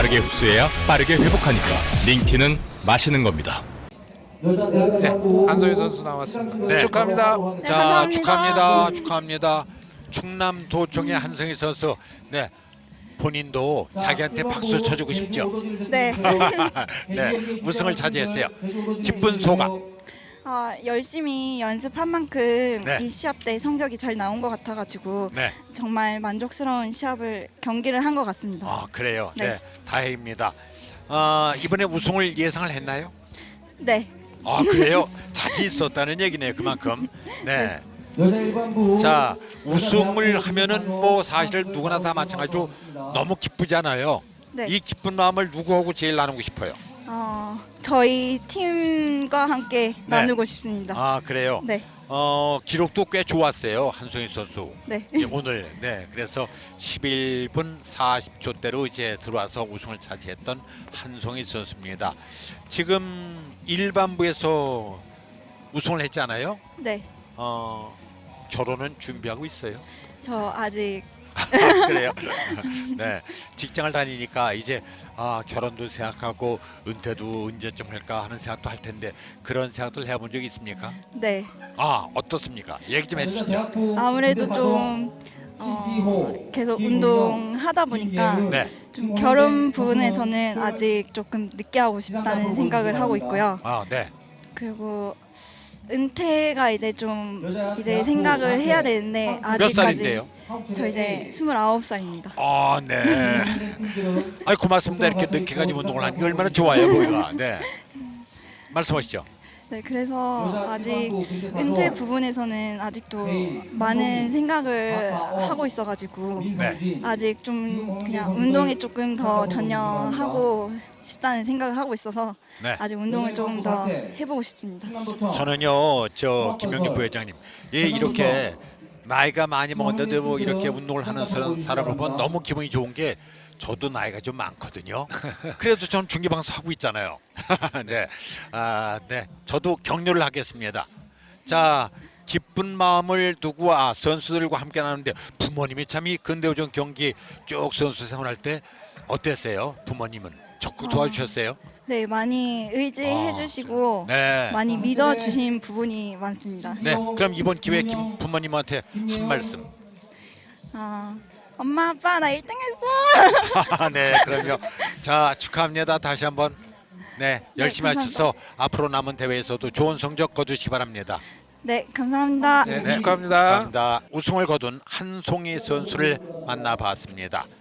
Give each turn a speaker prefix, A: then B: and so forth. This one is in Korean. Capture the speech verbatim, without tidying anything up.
A: 빠르게 흡수해야 빠르게 회복하니까 링티는 마시는 겁니다.
B: 네, 한소희 선수 나왔습니다.
C: 네.
B: 축하합니다.
D: 네,
C: 자,
D: 감사합니다.
C: 축하합니다. 축하합니다. 충남도청의 한성희 선수. 네. 본인도 자기한테 박수 쳐주고 싶죠.
D: 네.
C: 네, 우승을 차지했어요. 기쁜 소감.
D: 아, 열심히 연습한 만큼
C: 네.
D: 이 시합 때 성적이 잘 나온 것 같아가지고
C: 네.
D: 정말 만족스러운 시합을 경기를 한 것 같습니다.
C: 아, 그래요. 네,
D: 네.
C: 다행입니다. 아, 이번에 우승을 예상을 했나요?
D: 네.
C: 아, 그래요? 자신 있었다는 얘기네요. 그만큼. 네.
E: 자,
C: 자, 우승을 하면은 뭐 사실 누구나 다 마찬가지로 너무 기쁘잖아요.
D: 네.
C: 이 기쁜 마음을 누구하고 제일 나누고 싶어요?
D: 어, 저희 팀과 함께 나누고 싶습니다.
C: 아, 그래요?
D: 네.
C: 어, 기록도 꽤 좋았어요. 한송희 선수.
D: 네.
C: 예, 오늘. 네. 그래서 십일 분 사십 초대로 이제 들어와서 우승을 차지했던 한송희 선수입니다. 지금 일반부에서 우승을 했잖아요.
D: 네.
C: 어, 결혼은 준비하고 있어요.
D: 저 아직
C: 그래요. 네, 직장을 다니니까 이제 아, 결혼도 생각하고 은퇴도 언제쯤 할까 하는 생각도 할 텐데 그런 생각들 해본 적 있습니까?
D: 네.
C: 아, 어떻습니까? 얘기 좀 해주시죠.
D: 아무래도 좀 어, 계속 운동하다 보니까
C: 네,
D: 좀 결혼 부분에서는 아직 조금 늦게 하고 싶다는 생각을 하고 있고요.
C: 아, 네,
D: 그리고 은퇴가 이제 좀 이제 생각을 해야 되는데
C: 몇
D: 아직까지
C: 살인데요?
D: 저 이제 스물아홉 살입니다.
C: 아, 네. 아이 고맙습니다. 이렇게 늦게 가지고 운동을 하는 게 얼마나 좋아요, 보이가. 네, 말씀하시죠.
D: 네, 그래서 아직 은퇴 부분에서는 아직도 많은 생각을 하고 있어가지고
C: 네,
D: 아직 좀 그냥 운동에 조금 더 전념하고 싶다는 생각을 하고 있어서
C: 네.
D: 아직 운동을 조금 더 해보고 싶습니다.
C: 저는요, 저 김영립 부회장님, 예, 이렇게 나이가 많이 먹었는데 뭐 이렇게 운동을 하는 사람- 사람을 보면 너무 기분이 좋은 게 저도 나이가 좀 많거든요. 그래도 전 중계 방송 하고 있잖아요. 네, 아, 네, 저도 격려를 하겠습니다. 자, 기쁜 마음을 두고 아, 선수들과 함께 나누는데 부모님이 참 이 근대오전 경기 쭉 선수 생활할 때 어땠어요? 부모님은 적극 도와주셨어요?
D: 네, 많이 의지해
C: 아,
D: 주시고
C: 네.
D: 많이 믿어 주신 부분이 많습니다.
C: 네, 그럼 이번 기회에 김 부모님한테 한 말씀.
D: 아, 엄마 아빠 나 일 등 했어.
C: 네, 그럼요. 자, 축하합니다. 다시 한번 네, 열심히
D: 네, 감사합니다.
C: 하셔서 앞으로 남은 대회에서도 좋은 성적 거두시기 바랍니다.
D: 네, 감사합니다.
B: 네,
C: 네,
B: 축하합니다.
C: 축하합니다. 우승을 거둔 한송희 선수를 만나봤습니다.